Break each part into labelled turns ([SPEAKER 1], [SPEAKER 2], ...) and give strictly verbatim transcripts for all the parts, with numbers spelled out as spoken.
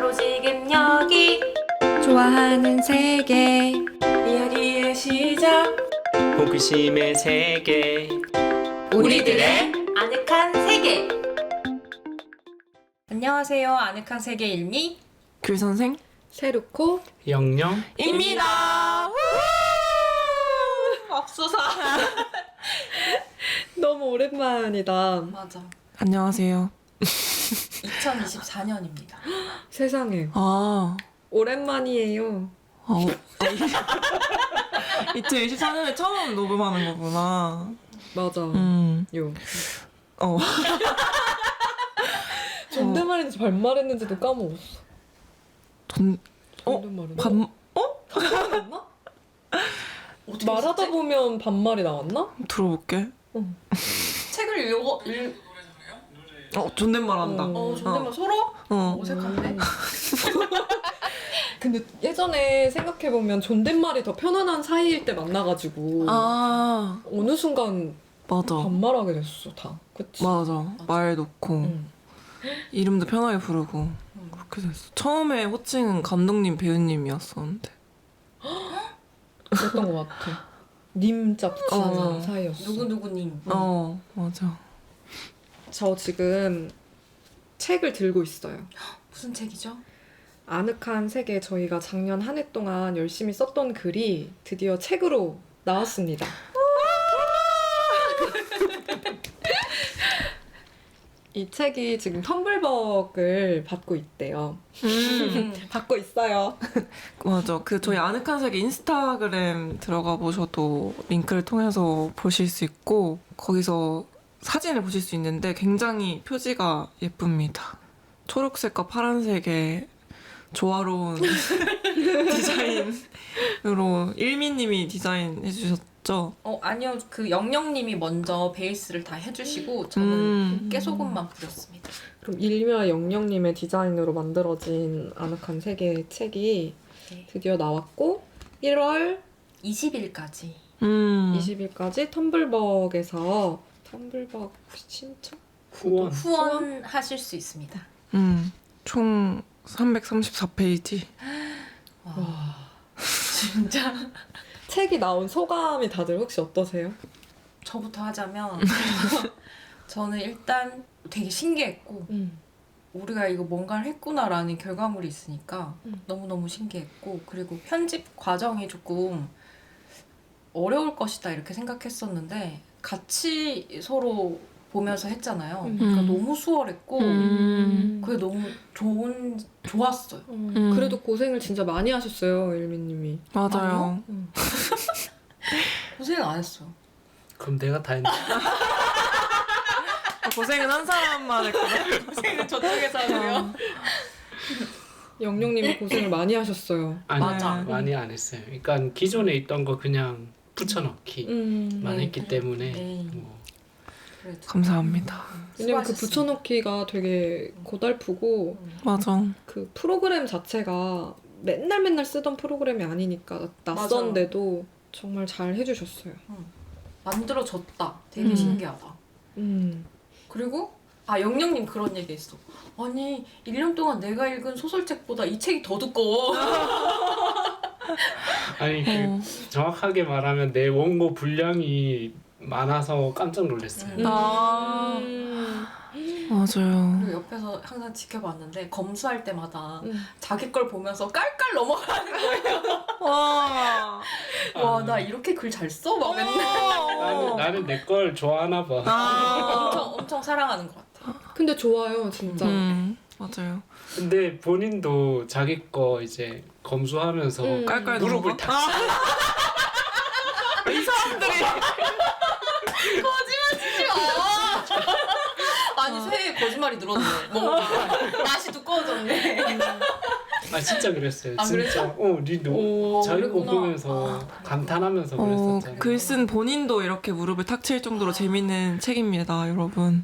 [SPEAKER 1] 바로 지금 여기
[SPEAKER 2] 좋아하는 세계
[SPEAKER 1] 이야기의 시작
[SPEAKER 3] 호기심의 세계
[SPEAKER 1] 우리들의 아늑한 세계. 안녕하세요. 아늑한 세계 일미
[SPEAKER 2] 귤선생
[SPEAKER 4] 세루코
[SPEAKER 3] 영영
[SPEAKER 2] 입니다.
[SPEAKER 1] 맙소사.
[SPEAKER 4] 너무 오랜만이다.
[SPEAKER 1] 맞아.
[SPEAKER 2] 안녕하세요.
[SPEAKER 1] 이천이십사 년입니다.
[SPEAKER 4] 세상에
[SPEAKER 2] 아,
[SPEAKER 4] 오랜만이에요.
[SPEAKER 2] 어, 이천이십사 년에 처음 녹음하는 거구나.
[SPEAKER 4] 맞아.
[SPEAKER 2] 음,
[SPEAKER 4] 요.
[SPEAKER 2] 어.
[SPEAKER 4] 존댓말인지 반말했는지도 까먹었어.
[SPEAKER 2] 돈, 어?
[SPEAKER 4] 존댓말은.
[SPEAKER 2] 반,
[SPEAKER 4] 반말했나?
[SPEAKER 1] 어떻게
[SPEAKER 4] 말하다
[SPEAKER 1] 했지?
[SPEAKER 4] 보면 반말이 나왔나?
[SPEAKER 2] 들어볼게.
[SPEAKER 1] 책을 읽어 읽.
[SPEAKER 2] 어, 존댓말 한다.
[SPEAKER 4] 어.
[SPEAKER 1] 어 존댓말 서로
[SPEAKER 2] 어.
[SPEAKER 1] 어색한데.
[SPEAKER 4] 음. 근데 예전에 생각해보면 존댓말이 더 편안한 사이일 때 만나가지고
[SPEAKER 2] 아,
[SPEAKER 4] 어느 순간
[SPEAKER 2] 맞아.
[SPEAKER 4] 반말하게 됐어 다. 그치?
[SPEAKER 2] 맞아. 말 놓고,
[SPEAKER 4] 응.
[SPEAKER 2] 이름도 편하게 부르고,
[SPEAKER 1] 음.
[SPEAKER 2] 그렇게 됐어. 처음에 호칭은 감독님, 배우님이었었는데.
[SPEAKER 4] 그랬던 것 같아. 님자 붙이는
[SPEAKER 2] 어.
[SPEAKER 4] 사이였어.
[SPEAKER 1] 누구 누구님.
[SPEAKER 2] 어, 맞아.
[SPEAKER 4] 저 지금 책을 들고 있어요.
[SPEAKER 1] 무슨 책이죠?
[SPEAKER 4] 아늑한 세계 저희가 작년 한 해 동안 열심히 썼던 글이 드디어 책으로 나왔습니다. 이 책이 지금 텀블벅을 받고 있대요.
[SPEAKER 2] 음.
[SPEAKER 4] 받고 있어요.
[SPEAKER 2] 맞아. 그 저희 아늑한 세계 인스타그램 들어가 보셔도 링크를 통해서 보실 수 있고 거기서 사진을 보실 수 있는데 굉장히 표지가 예쁩니다. 초록색과 파란색의 조화로운 디자인으로 일미님이 디자인해 주셨죠?
[SPEAKER 1] 어 아니요, 그 영영님이 먼저 베이스를 다 해주시고 저는
[SPEAKER 2] 음.
[SPEAKER 1] 깨소금만 뿌렸습니다.
[SPEAKER 4] 그럼 일미와 영영님의 디자인으로 만들어진 아늑한 세계 책이
[SPEAKER 1] 네.
[SPEAKER 4] 드디어 나왔고 일월
[SPEAKER 1] 이십 일까지.
[SPEAKER 2] 음.
[SPEAKER 4] 이십 일까지 텀블벅에서 텀블벅 신청?
[SPEAKER 3] 후원
[SPEAKER 1] 후원하실 수 있습니다.
[SPEAKER 2] 음. 총 삼백삼십사 페이지.
[SPEAKER 1] 와,
[SPEAKER 4] 와.
[SPEAKER 1] 진짜.
[SPEAKER 4] 책이 나온 소감이 다들 혹시 어떠세요?
[SPEAKER 1] 저부터 하자면 저는 일단 되게 신기했고
[SPEAKER 4] 음.
[SPEAKER 1] 우리가 이거 뭔가를 했구나라는 결과물이 있으니까
[SPEAKER 4] 음.
[SPEAKER 1] 너무너무 신기했고, 그리고 편집 과정이 조금 어려울 것이다 이렇게 생각했었는데 같이 서로 보면서 했잖아요.
[SPEAKER 4] 음.
[SPEAKER 1] 그러니까 너무 수월했고
[SPEAKER 2] 음.
[SPEAKER 1] 그게 너무 좋은 좋았어요.
[SPEAKER 4] 음.
[SPEAKER 2] 음.
[SPEAKER 4] 그래도 고생을 진짜 많이 하셨어요, 일미님이.
[SPEAKER 2] 맞아요.
[SPEAKER 4] 음.
[SPEAKER 1] 고생 안 했어요.
[SPEAKER 3] 그럼 내가 다 했네.
[SPEAKER 2] 고생은 한 사람만 했구나.
[SPEAKER 1] 고생은 저쪽에서 하고요.
[SPEAKER 4] 영영님이 고생을 많이 하셨어요.
[SPEAKER 3] 아니,
[SPEAKER 1] 맞아.
[SPEAKER 3] 많이 안 했어요. 그러니까 기존에 있던 거 그냥 붙여넣기만
[SPEAKER 4] 음.
[SPEAKER 1] 네.
[SPEAKER 3] 했기 때문에
[SPEAKER 1] 네.
[SPEAKER 3] 뭐.
[SPEAKER 1] 그래도
[SPEAKER 2] 감사합니다.
[SPEAKER 4] 왜냐면 그
[SPEAKER 1] 수고하셨습니다.
[SPEAKER 4] 붙여넣기가 되게 고달프고
[SPEAKER 2] 맞아.
[SPEAKER 4] 그 프로그램 자체가 맨날 맨날 쓰던 프로그램이 아니니까 낯선데도 정말 잘 해주셨어요.
[SPEAKER 1] 만들어졌다. 되게
[SPEAKER 2] 음.
[SPEAKER 1] 신기하다.
[SPEAKER 4] 음.
[SPEAKER 1] 그리고 아 영영님 그런 얘기 했어. 아니 일 년 동안 내가 읽은 소설책보다 이 책이 더 두꺼워.
[SPEAKER 3] 아니 그
[SPEAKER 2] 어.
[SPEAKER 3] 정확하게 말하면 내 원고 분량이 많아서 깜짝 놀랐어요.
[SPEAKER 1] 음.
[SPEAKER 2] 아.
[SPEAKER 4] 음.
[SPEAKER 2] 맞아요.
[SPEAKER 1] 그리고 옆에서 항상 지켜봤는데 검수할 때마다
[SPEAKER 4] 음.
[SPEAKER 1] 자기 걸 보면서 깔깔 넘어가는 거예요.
[SPEAKER 2] 와.
[SPEAKER 1] 와 나 이렇게 글 잘 써? 막 맨날
[SPEAKER 3] 나는, 나는 내 걸 좋아하나 봐.
[SPEAKER 2] 아.
[SPEAKER 1] 엄청 엄청 사랑하는 것 같아.
[SPEAKER 4] 근데 좋아요, 진짜.
[SPEAKER 2] 음, 맞아요.
[SPEAKER 3] 근데 본인도 자기 거 이제 검수하면서
[SPEAKER 4] 음.
[SPEAKER 2] 깔깔
[SPEAKER 3] 무릎을
[SPEAKER 2] 넘어가?
[SPEAKER 3] 탁
[SPEAKER 2] 이 사람들이
[SPEAKER 1] 거짓말치지 마. 아니 새해 거짓말이 늘었네. 뭐 맛이 두꺼워졌네.
[SPEAKER 3] 아 진짜 그랬어요.
[SPEAKER 1] 아,
[SPEAKER 3] 진짜.
[SPEAKER 1] 그랬어?
[SPEAKER 3] 어, 니도
[SPEAKER 4] 오,
[SPEAKER 3] 자기 거
[SPEAKER 1] 그랬구나.
[SPEAKER 3] 보면서
[SPEAKER 1] 아, 그랬구나.
[SPEAKER 3] 감탄하면서
[SPEAKER 2] 어,
[SPEAKER 3] 그랬었잖아요.
[SPEAKER 2] 글 쓴 본인도 이렇게 무릎을 탁 칠 정도로 재밌는 책입니다, 여러분.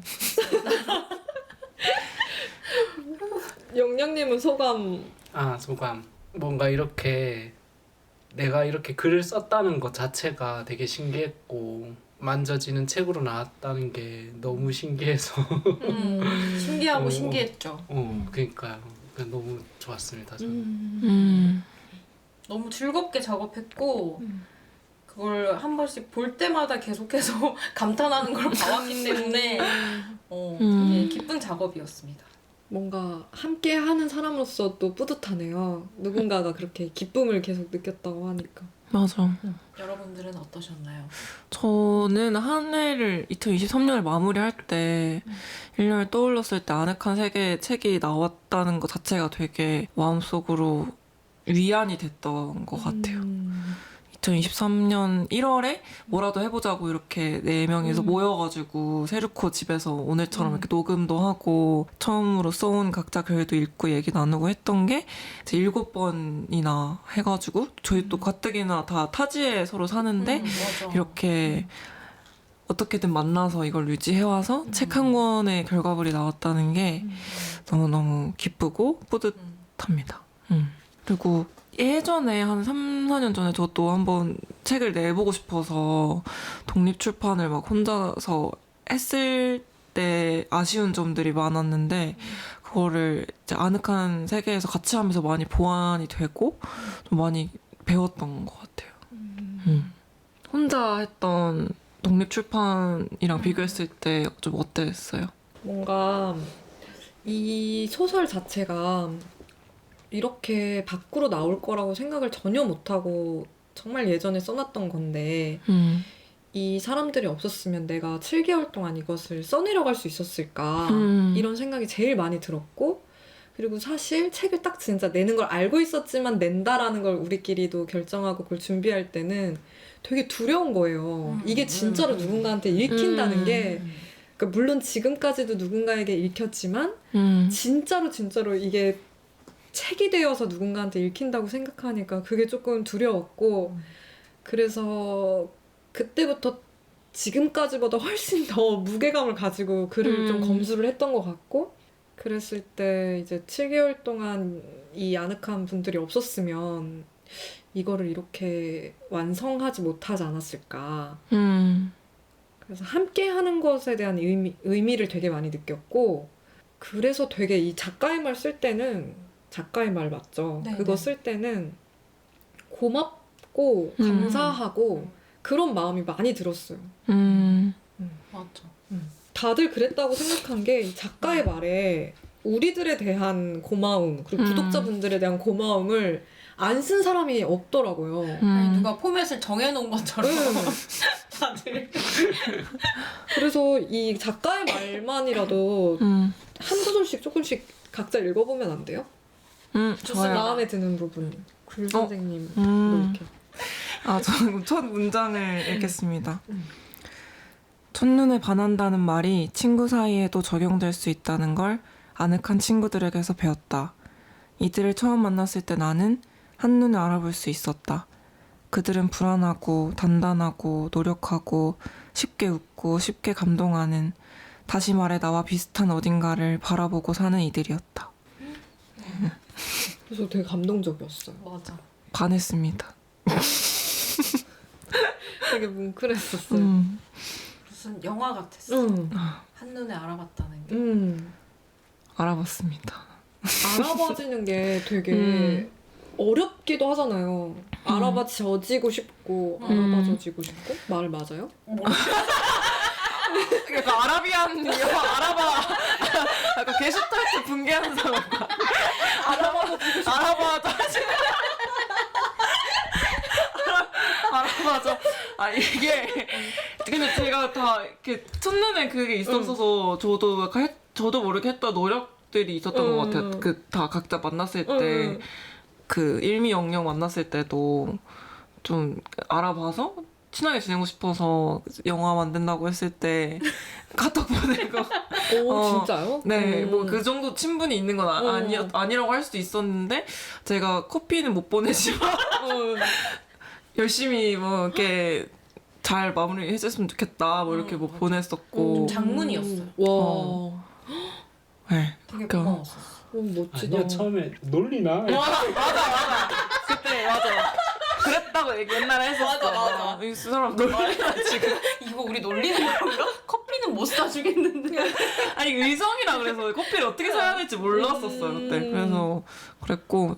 [SPEAKER 4] 영영님은 소감.
[SPEAKER 3] 아 소감. 뭔가 이렇게 내가 이렇게 글을 썼다는 것 자체가 되게 신기했고 만져지는 책으로 나왔다는 게 너무 신기해서
[SPEAKER 1] 음, 신기하고
[SPEAKER 3] 어.
[SPEAKER 1] 신기했죠.
[SPEAKER 3] 어 그러니까요. 너무 좋았습니다. 저는.
[SPEAKER 4] 음.
[SPEAKER 2] 음.
[SPEAKER 1] 너무 즐겁게 작업했고
[SPEAKER 4] 음.
[SPEAKER 1] 그걸 한 번씩 볼 때마다 계속해서 감탄하는 걸 봐왔기 때문에 어,
[SPEAKER 2] 음.
[SPEAKER 1] 되게 기쁜 작업이었습니다.
[SPEAKER 4] 뭔가 함께 하는 사람으로서 또 뿌듯하네요. 누군가가 그렇게 기쁨을 계속 느꼈다고 하니까.
[SPEAKER 2] 맞아.
[SPEAKER 1] 여러분들은 어떠셨나요?
[SPEAKER 2] 저는 한 해를 이천이십삼 년을 마무리할 때
[SPEAKER 1] 음.
[SPEAKER 2] 일 년을 떠올렸을 때 아늑한 세계의 책이 나왔다는 것 자체가 되게 마음속으로 위안이 됐던 것 같아요.
[SPEAKER 4] 음.
[SPEAKER 2] 이천이십삼 년 일월에 뭐라도 해보자고 이렇게 네 명이서
[SPEAKER 4] 음.
[SPEAKER 2] 모여가지고 세르코 집에서 오늘처럼
[SPEAKER 4] 음.
[SPEAKER 2] 이렇게 녹음도 하고 처음으로 써온 각자 글도 읽고 얘기 나누고 했던 게 이제 일곱 번이나 해가지고 저희 또 가뜩이나 다 타지에 서로 사는데
[SPEAKER 1] 음, 맞아.
[SPEAKER 2] 이렇게 어떻게든 만나서 이걸 유지해와서
[SPEAKER 1] 음.
[SPEAKER 2] 책 한 권의 결과물이 나왔다는 게
[SPEAKER 4] 음.
[SPEAKER 2] 너무너무 기쁘고 뿌듯합니다.
[SPEAKER 1] 음.
[SPEAKER 2] 음. 그리고 예전에 한 삼, 사 년 전에 저도 한번 책을 내보고 싶어서 독립출판을 막 혼자서 했을 때 아쉬운 점들이 많았는데 그거를 이제 아늑한 세계에서 같이 하면서 많이 보완이 되고 좀 많이 배웠던 것 같아요. 음. 혼자 했던 독립출판이랑
[SPEAKER 1] 음.
[SPEAKER 2] 비교했을 때 좀 어땠어요?
[SPEAKER 4] 뭔가 이 소설 자체가 이렇게 밖으로 나올 거라고 생각을 전혀 못하고 정말 예전에 써놨던 건데
[SPEAKER 2] 음.
[SPEAKER 4] 이 사람들이 없었으면 내가 칠 개월 동안 이것을 써내려갈 수 있었을까
[SPEAKER 2] 음.
[SPEAKER 4] 이런 생각이 제일 많이 들었고 그리고 사실 책을 딱 진짜 내는 걸 알고 있었지만 낸다라는 걸 우리끼리도 결정하고 그걸 준비할 때는 되게 두려운 거예요.
[SPEAKER 1] 음,
[SPEAKER 4] 이게 진짜로
[SPEAKER 1] 음,
[SPEAKER 4] 누군가한테 읽힌다는
[SPEAKER 2] 음.
[SPEAKER 4] 게 그러니까 물론 지금까지도 누군가에게 읽혔지만
[SPEAKER 2] 음.
[SPEAKER 4] 진짜로 진짜로 이게 책이 되어서 누군가한테 읽힌다고 생각하니까 그게 조금 두려웠고
[SPEAKER 1] 음.
[SPEAKER 4] 그래서 그때부터 지금까지보다 훨씬 더 무게감을 가지고 글을
[SPEAKER 2] 음.
[SPEAKER 4] 좀 검수를 했던 것 같고 그랬을 때 이제 칠 개월 동안 이 아늑한 분들이 없었으면 이거를 이렇게 완성하지 못하지 않았을까.
[SPEAKER 2] 음.
[SPEAKER 4] 그래서 함께 하는 것에 대한 의미, 의미를 되게 많이 느꼈고 그래서 되게 이 작가의 말 쓸 때는 작가의 말 맞죠?
[SPEAKER 1] 네,
[SPEAKER 4] 그거
[SPEAKER 1] 네.
[SPEAKER 4] 쓸 때는 고맙고
[SPEAKER 2] 음.
[SPEAKER 4] 감사하고 그런 마음이 많이 들었어요.
[SPEAKER 2] 음.
[SPEAKER 1] 맞죠.
[SPEAKER 4] 다들 그랬다고 생각한 게 이 작가의 말에 우리들에 대한 고마움 그리고
[SPEAKER 2] 음.
[SPEAKER 4] 구독자분들에 대한 고마움을 안 쓴 사람이 없더라고요.
[SPEAKER 2] 음.
[SPEAKER 1] 아니, 누가 포맷을 정해놓은 것처럼
[SPEAKER 4] 음.
[SPEAKER 1] 다들
[SPEAKER 4] 그래서 이 작가의 말만이라도
[SPEAKER 2] 음.
[SPEAKER 4] 한 구절씩 조금씩 각자 읽어보면 안 돼요?
[SPEAKER 2] 음.
[SPEAKER 1] 좋습니다.
[SPEAKER 2] 좋아요.
[SPEAKER 4] 마음에 드는 부분. 글 선생님 도
[SPEAKER 2] 음.
[SPEAKER 4] 이렇게.
[SPEAKER 2] 아, 저는 첫 문장을 읽겠습니다.
[SPEAKER 4] 음.
[SPEAKER 2] 첫눈에 반한다는 말이 친구 사이에도 적용될 수 있다는 걸 아늑한 친구들에게서 배웠다. 이들을 처음 만났을 때 나는 한눈에 알아볼 수 있었다. 그들은 불안하고 단단하고 노력하고 쉽게 웃고 쉽게 감동하는 다시 말해 나와 비슷한 어딘가를 바라보고 사는 이들이었다.
[SPEAKER 4] 그래서 되게 감동적이었어요.
[SPEAKER 1] 맞아.
[SPEAKER 2] 반했습니다.
[SPEAKER 4] 되게 뭉클했었어요.
[SPEAKER 2] 음.
[SPEAKER 1] 무슨 영화 같았어.
[SPEAKER 4] 응.
[SPEAKER 1] 한눈에 알아봤다는 게.
[SPEAKER 4] 음.
[SPEAKER 2] 알아봤습니다.
[SPEAKER 4] 알아봐지는 게 되게
[SPEAKER 2] 음.
[SPEAKER 4] 어렵기도 하잖아요. 알아봐져지고 싶고
[SPEAKER 1] 음.
[SPEAKER 4] 알아봐져지고 싶고 말 맞아요?
[SPEAKER 1] 뭐,
[SPEAKER 2] 약간 아라비안 영화 알아봐. 약간 게슈탈트 붕괴하는 사람. 알아봐도 알아봐도 알아봐죠. 아 이게 근데 제가 다 이렇게 첫눈에 그게 있었어서 저도 약간 했, 저도 모르게 했던 노력들이 있었던
[SPEAKER 4] 음.
[SPEAKER 2] 것 같아요. 그 다 각자 만났을 때
[SPEAKER 4] 음.
[SPEAKER 2] 그 일미영영 만났을 때도 좀 알아봐서 친하게 지내고 싶어서 영화 만든다고 했을 때 카톡 보내고
[SPEAKER 4] 오
[SPEAKER 2] 어,
[SPEAKER 4] 진짜요?
[SPEAKER 2] 네,
[SPEAKER 4] 음.
[SPEAKER 2] 뭐 그 정도 친분이 있는 건 아,
[SPEAKER 4] 음.
[SPEAKER 2] 아니, 아니라고 할 수도 있었는데 제가 커피는 못 보내지만
[SPEAKER 4] 음.
[SPEAKER 2] 열심히 뭐 이렇게 잘 마무리 해줬으면 좋겠다 뭐 이렇게 뭐
[SPEAKER 1] 음.
[SPEAKER 2] 보냈었고
[SPEAKER 1] 좀 장문이었어요.
[SPEAKER 4] 와,
[SPEAKER 2] 어. 네,
[SPEAKER 1] 되게
[SPEAKER 2] 그러니까.
[SPEAKER 1] 고마웠어.
[SPEAKER 4] 오, 멋지다.
[SPEAKER 3] 아니야 처음에 놀리나?
[SPEAKER 2] 맞아 맞아 맞아 그때 맞아 그랬다고 얘기 옛날에 했었어.
[SPEAKER 1] 맞아, 맞아.
[SPEAKER 2] 이 사람 놀리나 지금.
[SPEAKER 1] 이거 우리 놀리는 건가? 커피는 못 사주겠는데.
[SPEAKER 2] 아니 의성이라 그래서 커피를 어떻게 사야 될지 몰랐었어요 그때.
[SPEAKER 4] 음.
[SPEAKER 2] 그래서 그랬고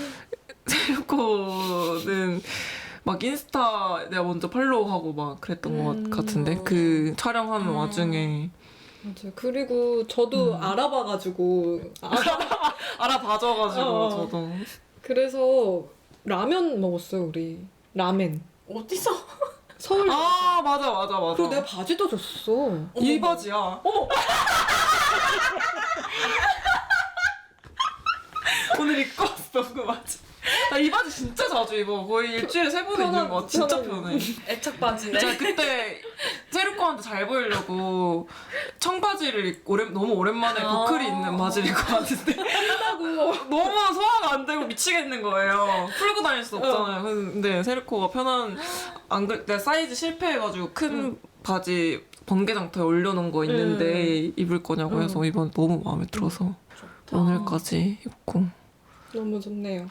[SPEAKER 2] 세르코는 막 인스타 내가 먼저 팔로우하고 막 그랬던
[SPEAKER 4] 음.
[SPEAKER 2] 것 같은데 그 촬영하는
[SPEAKER 1] 음.
[SPEAKER 2] 와중에
[SPEAKER 4] 맞아요. 그리고 저도
[SPEAKER 2] 음.
[SPEAKER 4] 알아봐가지고 알아,
[SPEAKER 2] 알아봐줘가지고
[SPEAKER 4] 어.
[SPEAKER 2] 저도
[SPEAKER 4] 그래서 라면 먹었어요 우리. 라멘.
[SPEAKER 1] 어디서?
[SPEAKER 4] 서울.
[SPEAKER 2] 아 맞아 맞아 맞아.
[SPEAKER 4] 그리고 내가 바지도 줬어.
[SPEAKER 2] 이 바지야. 어머. 오늘 입고 왔어 그 바지. 나 이 바지 진짜 자주 입어. 거의 일주일에 세 번
[SPEAKER 4] 편한-
[SPEAKER 2] 입는 거 같아. 진짜
[SPEAKER 4] 편하네.
[SPEAKER 2] 편해.
[SPEAKER 1] 애착 바지네.
[SPEAKER 2] 제가 그때 세르코한테 잘 보이려고 청바지를 입고 오랜, 너무 오랜만에
[SPEAKER 1] 아.
[SPEAKER 2] 보클이 있는 바지를 입고 왔는데 너무 소화가 안 되고 미치겠는 거예요. 풀고 다닐 수 없잖아요. 근데 세르코가 편한 안 그래 내가 사이즈 실패해가지고 큰 바지 번개장터에 올려놓은 거 있는데 입을 거냐고 해서 이번 너무 마음에 들어서 오늘까지 입고
[SPEAKER 4] 너무 좋네요.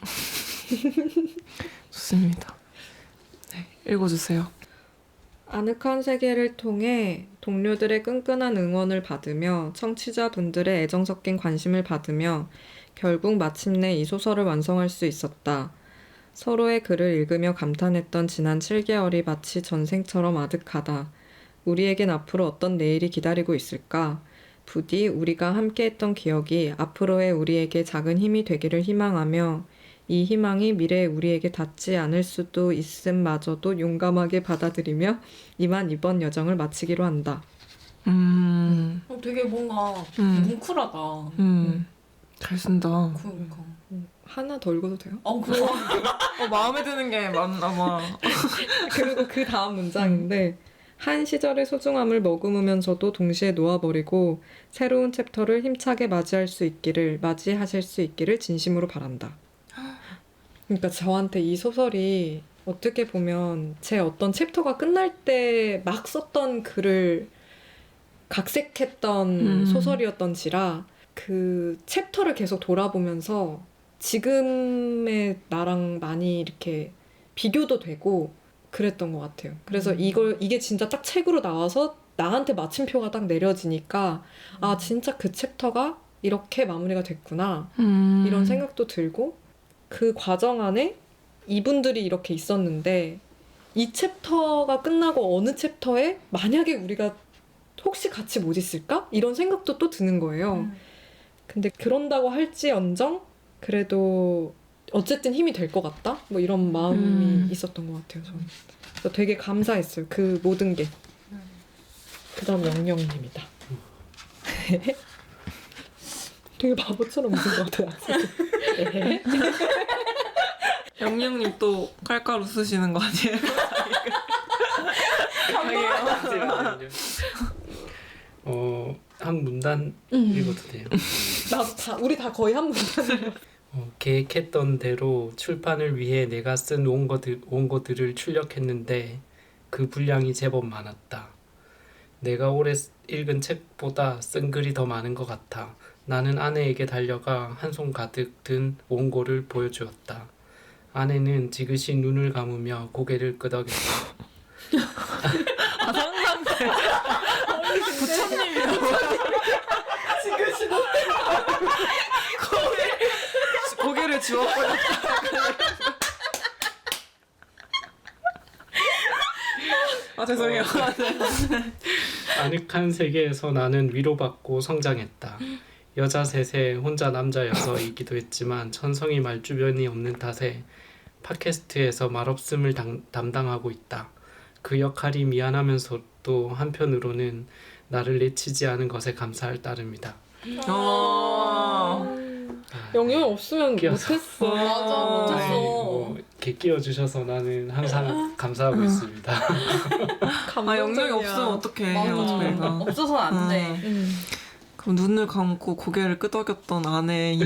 [SPEAKER 2] 좋습니다. 네, 읽어주세요.
[SPEAKER 4] 아늑한 세계를 통해 동료들의 끈끈한 응원을 받으며 청취자분들의 애정 섞인 관심을 받으며 결국 마침내 이 소설을 완성할 수 있었다. 서로의 글을 읽으며 감탄했던 지난 칠 개월이 마치 전생처럼 아득하다. 우리에겐 앞으로 어떤 내일이 기다리고 있을까? 부디 우리가 함께했던 기억이 앞으로의 우리에게 작은 힘이 되기를 희망하며 이 희망이 미래의 우리에게 닿지 않을 수도 있음마저도 용감하게 받아들이며 이만 이번 여정을 마치기로 한다.
[SPEAKER 2] 음,
[SPEAKER 1] 어, 되게 뭔가
[SPEAKER 2] 음.
[SPEAKER 1] 뭉클하다.
[SPEAKER 2] 음, 잘 쓴다.
[SPEAKER 1] 그러니까.
[SPEAKER 4] 하나 더 읽어도 돼요?
[SPEAKER 1] 어, 그거.
[SPEAKER 2] 어, 마음에 드는 게 많나 봐.
[SPEAKER 4] 그리고 그 다음 문장인데 한 시절의 소중함을 머금으면서도 동시에 놓아버리고 새로운 챕터를 힘차게 맞이할 수 있기를 맞이하실 수 있기를 진심으로 바란다. 그러니까 저한테 이 소설이 어떻게 보면 제 어떤 챕터가 끝날 때 막 썼던 글을 각색했던
[SPEAKER 2] 음.
[SPEAKER 4] 소설이었던지라 그 챕터를 계속 돌아보면서 지금의 나랑 많이 이렇게 비교도 되고 그랬던 것 같아요. 그래서
[SPEAKER 1] 음.
[SPEAKER 4] 이걸 이게 진짜 딱 책으로 나와서 나한테 마침표가 딱 내려지니까 아 진짜 그 챕터가 이렇게 마무리가 됐구나
[SPEAKER 2] 음.
[SPEAKER 4] 이런 생각도 들고 그 과정 안에 이분들이 이렇게 있었는데 이 챕터가 끝나고 어느 챕터에 만약에 우리가 혹시 같이 못 있을까? 이런 생각도 또 드는 거예요.
[SPEAKER 1] 음.
[SPEAKER 4] 근데 그런다고 할지언정 그래도 어쨌든 힘이 될 것 같다? 뭐 이런 마음이
[SPEAKER 2] 음.
[SPEAKER 4] 있었던 것 같아요. 저는. 그래서 되게 감사했어요. 그 모든 게.
[SPEAKER 1] 음.
[SPEAKER 4] 그 다음 영영님이다. 되게 바보처럼 웃은 것 같아요. 네.
[SPEAKER 2] 영영님 또 칼가루 쓰시는 거 아니에요?
[SPEAKER 3] 잠시만요. 어, 한 문단
[SPEAKER 4] 음.
[SPEAKER 3] 읽어도 돼요.
[SPEAKER 4] 나도 다 우리 다 거의 한 문단이에요.
[SPEAKER 3] 어, 계획했던 대로 출판을 위해 내가 쓴 원고들, 원고들을 출력했는데 그 분량이 제법 많았다. 내가 올해 쓰- 읽은 책보다 쓴 글이 더 많은 것 같아. 나는 아내에게 달려가 한 손 가득 든 원고를 보여주었다. 아내는 지그시 눈을 감으며 고개를 끄덕였다.
[SPEAKER 2] 아, 상상돼. 부처님이라고. 고개, 고개를 지워버렸다. 아, 죄송해요.
[SPEAKER 3] 아늑한 세계에서 나는 위로받고 성장했다. 여자 셋에 혼자 남자 여서이기도 했지만 천성이 말주변이 없는 탓에 팟캐스트에서 말없음을 당, 담당하고 있다. 그 역할이 미안하면서도 한편으로는 나를 내치지 않은 것에 감사할 따름이다.
[SPEAKER 2] 어.
[SPEAKER 3] 아,
[SPEAKER 4] 영영 없으면
[SPEAKER 3] 끼어서.
[SPEAKER 4] 못했어.
[SPEAKER 1] 맞아, 못했어.
[SPEAKER 3] 아이, 뭐, 이렇게 끼워주셔서 나는 항상 감사하고 있습니다.
[SPEAKER 2] 아, 영영이 없으면 어떡해, 해요,
[SPEAKER 1] 맞아.
[SPEAKER 2] 저희가.
[SPEAKER 1] 없어서는 안 돼.
[SPEAKER 4] 음.
[SPEAKER 2] 그럼 눈을 감고 고개를 끄덕였던 아내인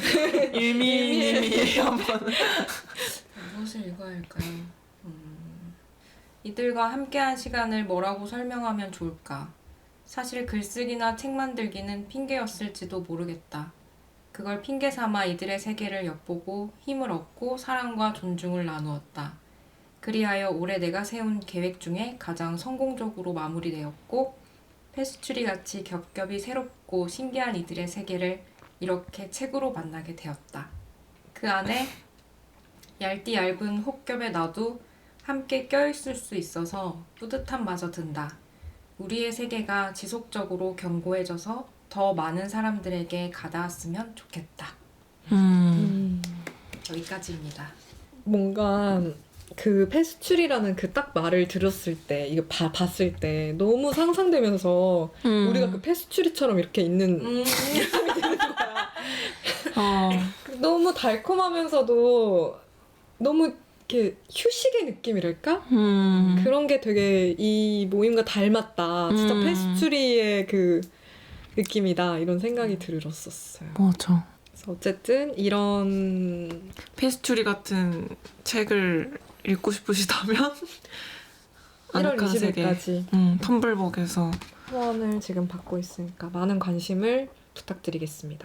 [SPEAKER 2] 일미님이 한번.
[SPEAKER 1] 무엇을 읽어야 할까요? 음, 이들과 함께한 시간을 뭐라고 설명하면 좋을까? 사실 글쓰기나 책 만들기는 핑계였을지도 모르겠다. 그걸 핑계 삼아 이들의 세계를 엿보고 힘을 얻고 사랑과 존중을 나누었다. 그리하여 올해 내가 세운 계획 중에 가장 성공적으로 마무리되었고 페스츄리 같이 겹겹이 새롭고 신기한 이들의 세계를 이렇게 책으로 만나게 되었다. 그 안에 얇디 얇은 혹겹의 나도 함께 껴있을 수 있어서 뿌듯함마저 든다. 우리의 세계가 지속적으로 견고해져서 더 많은 사람들에게 가닿았으면 좋겠다.
[SPEAKER 2] 음.
[SPEAKER 1] 여기까지입니다.
[SPEAKER 4] 뭔가 그 페스츄리라는 그 딱 말을 들었을 때 이거 봐, 봤을 때 너무 상상되면서
[SPEAKER 2] 음.
[SPEAKER 4] 우리가 그 페스츄리처럼 이렇게 있는
[SPEAKER 1] 음.
[SPEAKER 2] 어.
[SPEAKER 4] 너무 달콤하면서도 너무 이렇게 휴식의 느낌이랄까?
[SPEAKER 2] 음.
[SPEAKER 4] 그런 게 되게 이 모임과 닮았다. 진짜
[SPEAKER 2] 음.
[SPEAKER 4] 페스츄리의 그 느낌이다. 이런 생각이 들었었어요.
[SPEAKER 2] 맞아.
[SPEAKER 4] 그래서 어쨌든 이런
[SPEAKER 2] 페스츄리 같은 책을 읽고 싶으시다면
[SPEAKER 4] 일월
[SPEAKER 2] 아늑한
[SPEAKER 4] 이십
[SPEAKER 2] 세계,
[SPEAKER 4] 일까지
[SPEAKER 2] 음, 텀블벅에서
[SPEAKER 4] 후원을 지금 받고 있으니까 많은 관심을 부탁드리겠습니다.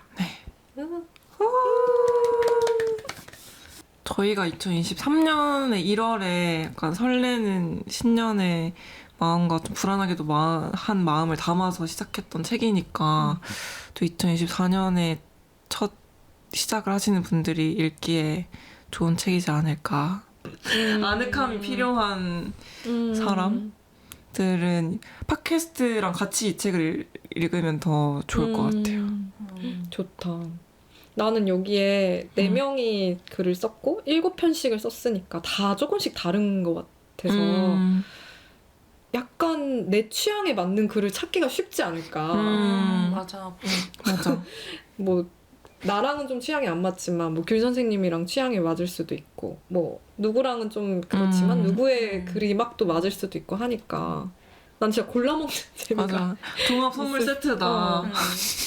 [SPEAKER 2] 저희가 이천이십삼 년의 일월에 약간 설레는 신년의 마음과 좀 불안하게도 마, 한 마음을 담아서 시작했던 책이니까 또 이천이십사 년에 첫 시작을 하시는 분들이 읽기에 좋은 책이지 않을까. 아늑함이 필요한
[SPEAKER 4] 음.
[SPEAKER 2] 사람들은 팟캐스트랑 같이 이 책을 읽으면 더 좋을 것 같아요.
[SPEAKER 1] 음.
[SPEAKER 4] 좋다. 나는 여기에 네
[SPEAKER 2] 음.
[SPEAKER 4] 명이 글을 썼고 일곱 편씩을 썼으니까 다 조금씩 다른 것 같아서
[SPEAKER 2] 음.
[SPEAKER 4] 약간 내 취향에 맞는 글을 찾기가 쉽지 않을까.
[SPEAKER 2] 음.
[SPEAKER 1] 맞아.
[SPEAKER 2] 맞아.
[SPEAKER 4] 뭐 나랑은 좀 취향이 안 맞지만 뭐 귤 선생님이랑 취향이 맞을 수도 있고 뭐 누구랑은 좀 그렇지만
[SPEAKER 2] 음.
[SPEAKER 4] 누구의
[SPEAKER 1] 음.
[SPEAKER 4] 글이 막 또 맞을 수도 있고 하니까 난 진짜 골라 먹는 재미가.
[SPEAKER 2] 맞아. 종합 선물
[SPEAKER 4] 있을-
[SPEAKER 2] 세트다.
[SPEAKER 4] 어.
[SPEAKER 1] 음.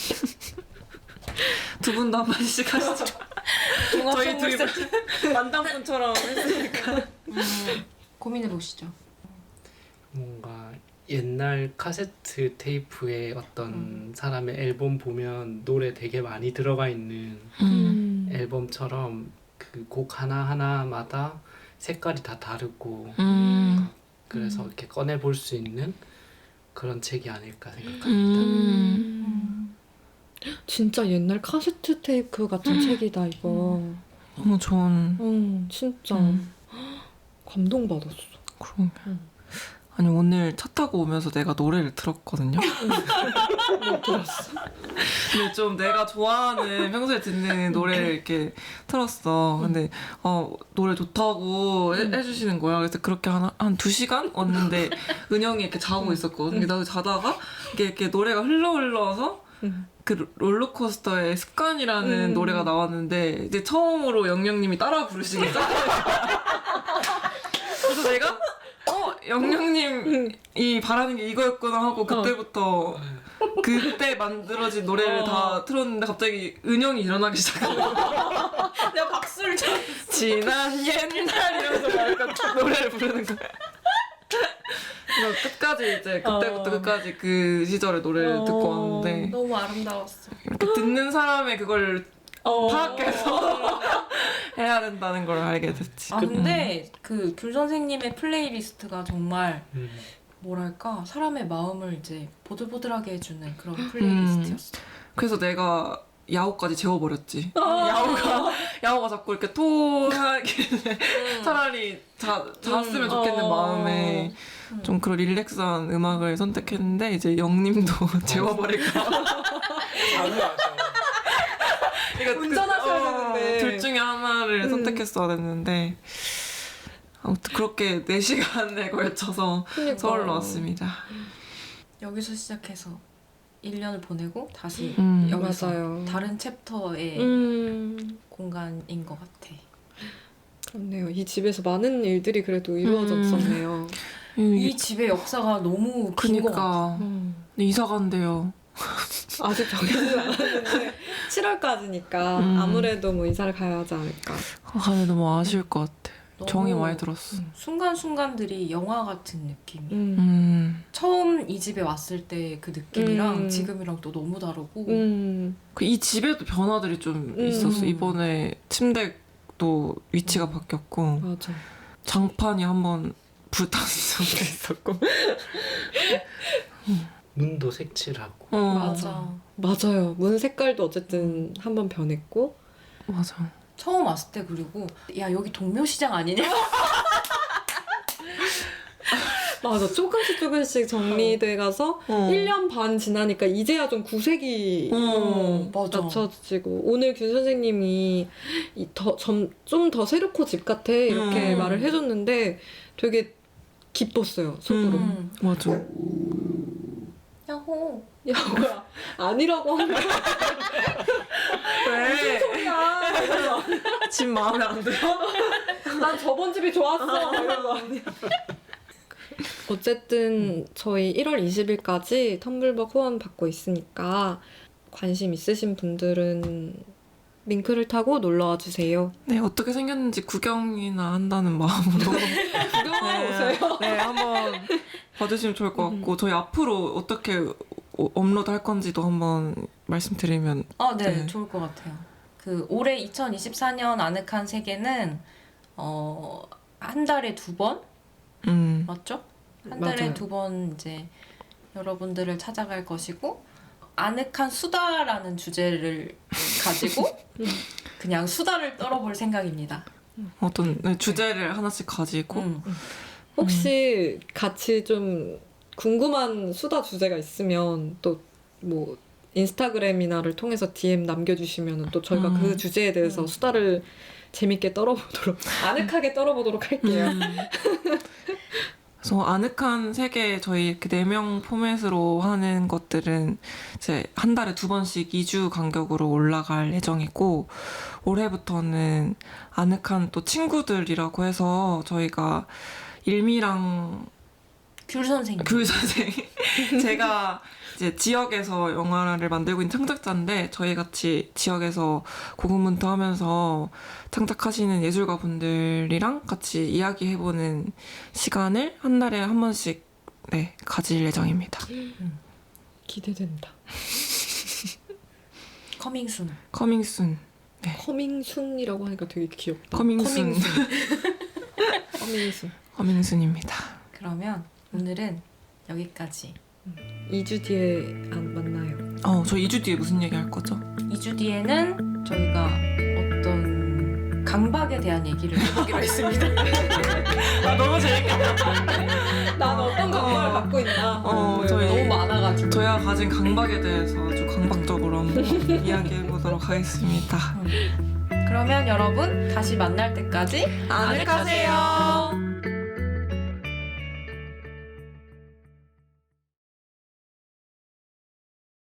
[SPEAKER 2] 두 분도 한 번씩 하시죠.
[SPEAKER 1] 종합
[SPEAKER 2] 저희
[SPEAKER 1] 선물
[SPEAKER 2] 둘이
[SPEAKER 1] 세트.
[SPEAKER 2] 만담꾼처럼 했으니까.
[SPEAKER 1] 음. 고민해 보시죠.
[SPEAKER 3] 뭔가 옛날 카세트 테이프에 어떤
[SPEAKER 1] 음.
[SPEAKER 3] 사람의 앨범 보면 노래 되게 많이 들어가 있는
[SPEAKER 2] 음.
[SPEAKER 3] 앨범처럼 그 곡 하나하나마다 색깔이 다 다르고
[SPEAKER 2] 음.
[SPEAKER 3] 그래서 이렇게 꺼내 볼 수 있는 그런 책이 아닐까 생각합니다.
[SPEAKER 2] 음.
[SPEAKER 4] 진짜 옛날 카세트 테이프 같은 책이다 이거.
[SPEAKER 2] 너무 좋은.
[SPEAKER 4] 음, 진짜
[SPEAKER 2] 음.
[SPEAKER 4] 감동받았어.
[SPEAKER 2] 그러게.
[SPEAKER 4] 음.
[SPEAKER 2] 아니 오늘 차 타고 오면서 내가 노래를 들었거든요.
[SPEAKER 4] 못 들었어.
[SPEAKER 2] 근데 좀 내가 좋아하는 평소에 듣는 노래를 이렇게 틀었어. 근데 어, 노래 좋다고 해, 해주시는 거야. 그래서 그렇게 한 한 두 시간 왔는데 은영이 이렇게 자고 있었거든. 근데 나도 자다가 이렇게, 이렇게 노래가 흘러 흘러서
[SPEAKER 4] 음.
[SPEAKER 2] 그 롤러코스터의 습관이라는
[SPEAKER 4] 음.
[SPEAKER 2] 노래가 나왔는데 이제 처음으로 영영님이 따라 부르시기 시작했어요. 그래서 내가 어 영영님이 바라는 게 이거였구나 하고 그때부터 그때 만들어진 노래를
[SPEAKER 4] 어.
[SPEAKER 2] 다 틀었는데 갑자기 은영이 일어나기 시작한 거야.
[SPEAKER 1] 내가 박수를 쳐.
[SPEAKER 2] 지난 옛날 이러면서 막 약간 노래를 부르는 거야. 그래서 끝까지 이제 그때부터
[SPEAKER 4] 어.
[SPEAKER 2] 끝까지 그 시절의 노래를
[SPEAKER 4] 어.
[SPEAKER 2] 듣고 왔는데
[SPEAKER 1] 너무 아름다웠어.
[SPEAKER 2] 이렇게 듣는 사람의 그걸
[SPEAKER 4] 어.
[SPEAKER 2] 파악해서 해야 된다는 걸 알게 됐지.
[SPEAKER 1] 아 근데 그 귤 선생님의 플레이리스트가 정말
[SPEAKER 3] 음.
[SPEAKER 1] 뭐랄까 사람의 마음을 이제 보들보들하게 해주는 그런
[SPEAKER 2] 음.
[SPEAKER 1] 플레이리스트였어.
[SPEAKER 2] 그래서 내가 야호까지 재워버렸지.
[SPEAKER 1] 아.
[SPEAKER 2] 야호가 야호가 자꾸 이렇게 토하길래 차라리 자, 잤으면
[SPEAKER 1] 음.
[SPEAKER 2] 좋겠는
[SPEAKER 4] 어.
[SPEAKER 2] 마음에
[SPEAKER 1] 음.
[SPEAKER 2] 좀 그런 릴렉스한 음악을 선택했는데 이제 영님도 재워버릴까.
[SPEAKER 3] 잠을 안 자.
[SPEAKER 2] 그러니까
[SPEAKER 4] 운전하셔야
[SPEAKER 2] 그- 어,
[SPEAKER 4] 되는데.
[SPEAKER 2] 둘 중에 하나를
[SPEAKER 4] 음.
[SPEAKER 2] 선택했어야 됐는데 아무튼 그렇게 네 시간에 걸쳐서
[SPEAKER 4] 그러니까.
[SPEAKER 2] 서울로 왔습니다.
[SPEAKER 1] 여기서 시작해서 일 년을 보내고 다시
[SPEAKER 2] 음.
[SPEAKER 1] 여기서
[SPEAKER 4] 맞아요.
[SPEAKER 1] 다른 챕터의
[SPEAKER 4] 음.
[SPEAKER 1] 공간인 것 같아.
[SPEAKER 4] 그렇네요. 이 집에서 많은 일들이 그래도 이루어졌었네요.
[SPEAKER 1] 이 집의 역사가 너무 긴 것 같아.
[SPEAKER 2] 그니까
[SPEAKER 4] 음.
[SPEAKER 2] 이사 간대요.
[SPEAKER 4] 아직 정해지지 않았는데 칠월까지니까
[SPEAKER 2] 음.
[SPEAKER 4] 아무래도 뭐 이사를 가야 하지 않을까.
[SPEAKER 2] 아, 근데 너무 아쉬울 것 같아.
[SPEAKER 1] 너무
[SPEAKER 2] 정이 많이 들었어.
[SPEAKER 1] 순간순간들이 영화 같은 느낌이.
[SPEAKER 4] 음.
[SPEAKER 2] 음.
[SPEAKER 1] 처음 이 집에 왔을 때 그 느낌이랑
[SPEAKER 4] 음.
[SPEAKER 1] 지금이랑 또 너무 다르고.
[SPEAKER 4] 음.
[SPEAKER 2] 그 이 집에도 변화들이 좀
[SPEAKER 4] 음.
[SPEAKER 2] 있었어. 이번에 침대도 위치가 바뀌었고
[SPEAKER 4] 맞아.
[SPEAKER 2] 장판이 한번 불탄 적도 있었고.
[SPEAKER 3] 문도 색칠하고.
[SPEAKER 2] 어,
[SPEAKER 1] 맞아.
[SPEAKER 4] 맞아요. 문 색깔도 어쨌든 한번 변했고.
[SPEAKER 2] 맞아.
[SPEAKER 1] 처음 왔을 때 그리고 야 여기 동묘시장 아니냐?
[SPEAKER 4] 맞아. 조금씩 조금씩 정리돼 가서
[SPEAKER 2] 어.
[SPEAKER 4] 일 년 반 지나니까 이제야 좀 구색이
[SPEAKER 2] 어,
[SPEAKER 1] 맞아.
[SPEAKER 4] 맞춰지고 오늘 균 선생님이 좀 더 새롭고 집 같아 이렇게
[SPEAKER 2] 음.
[SPEAKER 4] 말을 해줬는데 되게 기뻤어요. 속으로.
[SPEAKER 2] 음.
[SPEAKER 1] 음.
[SPEAKER 2] 맞아.
[SPEAKER 1] 야호.
[SPEAKER 4] 야 뭐야 아니라고 하면
[SPEAKER 2] 왜?
[SPEAKER 4] 소리야.
[SPEAKER 2] 집 마음에 안 들어?
[SPEAKER 4] 난 저번 집이 좋았어. 이런 거 아니야. 어쨌든 저희 일월 이십일까지 텀블벅 후원 받고 있으니까 관심 있으신 분들은 링크를 타고 놀러와 주세요.
[SPEAKER 2] 네, 어떻게 생겼는지 구경이나 한다는 마음으로
[SPEAKER 4] 구경하러 오세요.
[SPEAKER 2] 네, 한번 봐주시면 좋을 것 같고 저희 앞으로 어떻게 어- 업로드 할 건지도 한번 말씀드리면
[SPEAKER 1] 아, 네,
[SPEAKER 2] 네.
[SPEAKER 1] 좋을 것 같아요. 그 올해 이천이십사 년 아늑한 세계는 어, 한 달에 두 번?
[SPEAKER 2] 음,
[SPEAKER 1] 맞죠? 한 달에
[SPEAKER 4] 맞아요.
[SPEAKER 1] 두 번 이제 여러분들을 찾아갈 것이고 아늑한 수다라는 주제를 가지고 그냥 수다를 떨어볼 생각입니다.
[SPEAKER 2] 어떤 네, 주제를 하나씩 가지고
[SPEAKER 1] 음.
[SPEAKER 4] 혹시 같이 좀 궁금한 수다 주제가 있으면 또 뭐 인스타그램이나를 통해서 디엠 남겨주시면 또 저희가
[SPEAKER 2] 음.
[SPEAKER 4] 그 주제에 대해서
[SPEAKER 1] 음.
[SPEAKER 4] 수다를 재밌게 떨어보도록 아늑하게 떨어보도록 할게요.
[SPEAKER 2] 음. 그래서 아늑한 세계 저희 이렇게 네 명 포맷으로 하는 것들은 이제 한 달에 두 번씩 이 주 간격으로 올라갈 예정이고 올해부터는 아늑한 또 친구들이라고 해서 저희가 일미랑
[SPEAKER 1] 귤 선생님.
[SPEAKER 2] 귤 선생 제가 이제 지역에서 영화를 만들고 있는 창작자인데 저희 같이 지역에서 고군분투하면서 창작하시는 예술가 분들이랑 같이 이야기해보는 시간을 한 달에 한 번씩 네 가질 예정입니다.
[SPEAKER 4] 기대된다.
[SPEAKER 1] 커밍순.
[SPEAKER 2] 커밍순.
[SPEAKER 4] 커밍순이라고 하니까 되게 귀엽다.
[SPEAKER 2] 커밍순.
[SPEAKER 4] 커밍순.
[SPEAKER 2] 커밍순입니다.
[SPEAKER 1] 그러면 오늘은 여기까지.
[SPEAKER 4] 이 주 뒤에 안 만나요.
[SPEAKER 2] 어, 저 이 주 뒤에 무슨 얘기 할 거죠?
[SPEAKER 1] 이 주 뒤에는 저희가 어떤 강박에 대한 얘기를 해보기로 했습니다.
[SPEAKER 2] 아, 너무 재밌겠다.
[SPEAKER 4] 난 어떤 감각을
[SPEAKER 2] 어.
[SPEAKER 4] 갖고 있나.
[SPEAKER 2] 어,
[SPEAKER 4] 뭐
[SPEAKER 2] 저희-
[SPEAKER 1] 너무 많아가지고.
[SPEAKER 2] 저희가 가진 강박에 대해서 아주 강박적으로 한번 이야기해보도록 하겠습니다.
[SPEAKER 1] 그러면 여러분 다시 만날 때까지
[SPEAKER 2] 아늑하세요.